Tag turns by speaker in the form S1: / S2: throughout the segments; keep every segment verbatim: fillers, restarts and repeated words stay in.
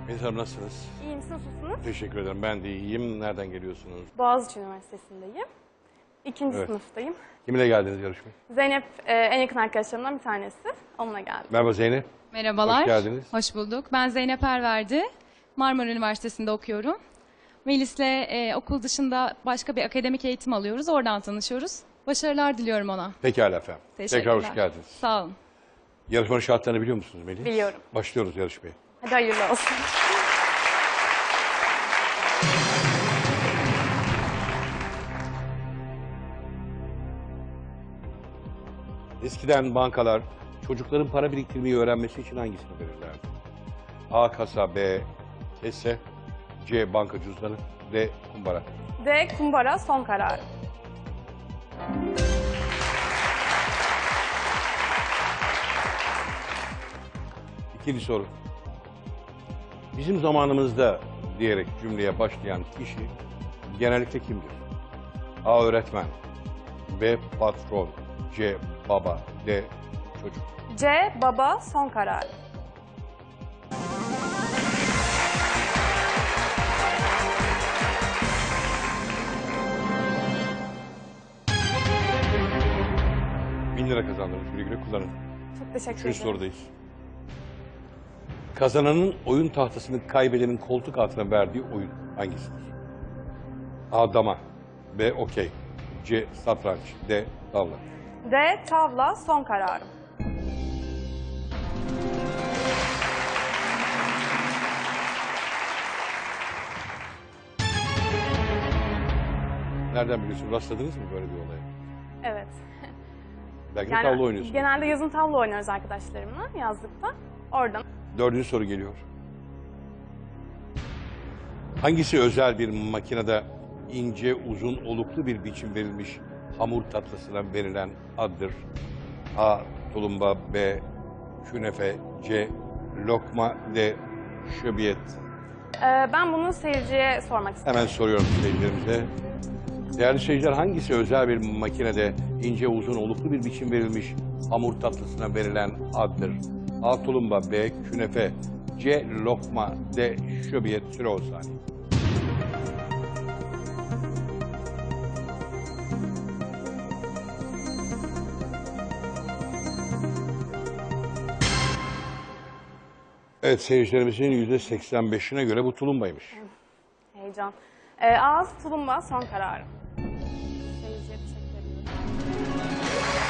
S1: Melis Hanım nasılsınız?
S2: İyiyim, siz nasılsınız?
S1: Teşekkür ederim. Ben de iyiyim. Nereden geliyorsunuz?
S2: Boğaziçi Üniversitesi'ndeyim. İkinci
S1: Evet.
S2: sınıftayım.
S1: Kiminle geldiniz yarışmaya?
S2: Zeynep e, en yakın arkadaşlarımdan bir tanesi. Onunla geldim.
S1: Merhaba Zeynep.
S3: Merhabalar.
S1: Hoş geldiniz.
S3: Hoş bulduk. Ben Zeynep Erverdi. Marmara Üniversitesi'nde okuyorum. Melis'le e, okul dışında başka bir akademik eğitim alıyoruz. Oradan tanışıyoruz. Başarılar diliyorum ona.
S1: Pekala efendim.
S3: Teşekkürler.
S1: Tekrar hoş geldiniz.
S3: Sağ olun.
S1: Yarışmanın şartlarını biliyor musunuz Melis?
S2: Biliyorum.
S1: Başlıyoruz yarışmaya.
S2: Hadi hayırlı olsun.
S1: Eskiden bankalar çocukların para biriktirmeyi öğrenmesi için hangisini verirlerdi? A. Kasa, B. Kese, C. Banka cüzdanı, D. Kumbara.
S2: D. Kumbara son kararı.
S1: İkinci soru. Bizim zamanımızda diyerek cümleye başlayan kişi genellikle kimdir? A. Öğretmen, B. Patron, C. Baba, D. Çocuk.
S2: C. Baba son kararı.
S1: Bin lira kazandınız. Güle güle kullanın.
S2: Çok teşekkür
S1: Üçüncü
S2: ederim.
S1: sorudayız. Kazananın oyun tahtasını kaybedenin koltuk altına verdiği oyun hangisidir? A. Dama, B. Okey, C. Satranç, D. Tavla.
S2: D. Tavla son kararı.
S1: Nereden biliyorsun? Rastladınız mı böyle bir olaya?
S2: Evet.
S1: Belki de tavla oynuyorsunuz.
S2: Genelde yazın tavla oynuyoruz arkadaşlarımla yazlıkta. Oradan.
S1: Dördüncü soru geliyor. Hangisi özel bir makinede ince, uzun, oluklu bir biçim verilmiş hamur tatlısına verilen addır? A. Tulumba, B. Künefe, C. Lokma, D. Şöbiyet.
S2: Ee, ben bunu seyirciye sormak istiyorum.
S1: Hemen soruyorum seyircilerimize. Değerli seyirciler, hangisi özel bir makinede ince, uzun, oluklu bir biçim verilmiş hamur tatlısına verilen addır? A. Tulumba, B. Künefe, C. Lokma, D. Şöbiyet. Süre on saniye. Evet, seyircilerimizin yüzde seksen beşine göre bu tulumbaymış.
S2: Heyecan. Ee, ağız tulumba son kararı. Seyirciye teşekkür ediyorum.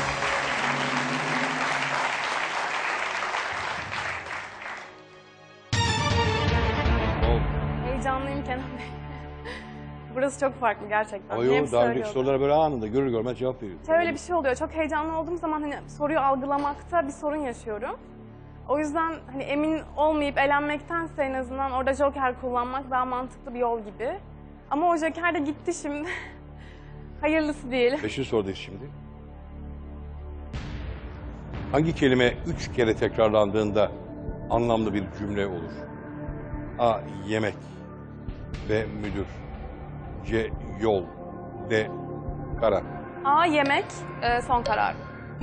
S1: Oldu.
S2: Heyecanlıyım Kenan Bey. Burası çok farklı gerçekten.
S1: Ama
S2: Hem
S1: yok, daha önceki
S2: söylüyorum.
S1: sorulara böyle anında görür görmez cevap veriyor.
S2: Şöyle bir şey oluyor. Çok heyecanlı olduğum zaman hani soruyu algılamakta bir sorun yaşıyorum. O yüzden hani emin olmayıp elenmektense en azından orada joker kullanmak daha mantıklı bir yol gibi. Ama o joker de gitti şimdi. Hayırlısı değil.
S1: Beşinci sorudayız şimdi. Hangi kelime üç kere tekrarlandığında anlamlı bir cümle olur? A. Yemek, B. Müdür, C. Yol, D. Kara.
S2: A. Yemek e, son karar.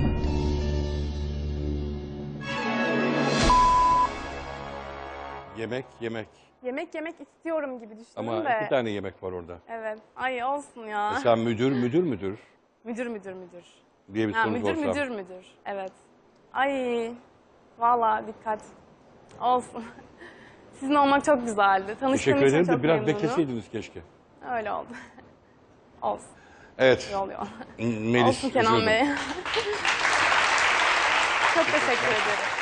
S1: Yemek, yemek.
S2: Yemek yemek istiyorum gibi düşündüm
S1: Ama
S2: de.
S1: iki tane yemek var orada.
S2: Evet. Ay olsun ya.
S1: Mesela müdür, müdür, müdür
S2: Müdür müdür müdür.
S1: diye bir
S2: Ha,
S1: soru
S2: müdür
S1: sorsam.
S2: müdür müdür. Evet. Ay vallahi dikkat. Olsun. Sizin olmak çok güzeldi. Tanıştığım
S1: Teşekkür
S2: için
S1: ederim
S2: çok
S1: de biraz
S2: memnunum.
S1: bekleseydiniz keşke.
S2: Öyle oldu. Olsun.
S1: Evet.
S2: Yol yol.
S1: Melis,
S2: Olsun Kenan
S1: üzüldüm.
S2: Bey. Çok teşekkür ederim.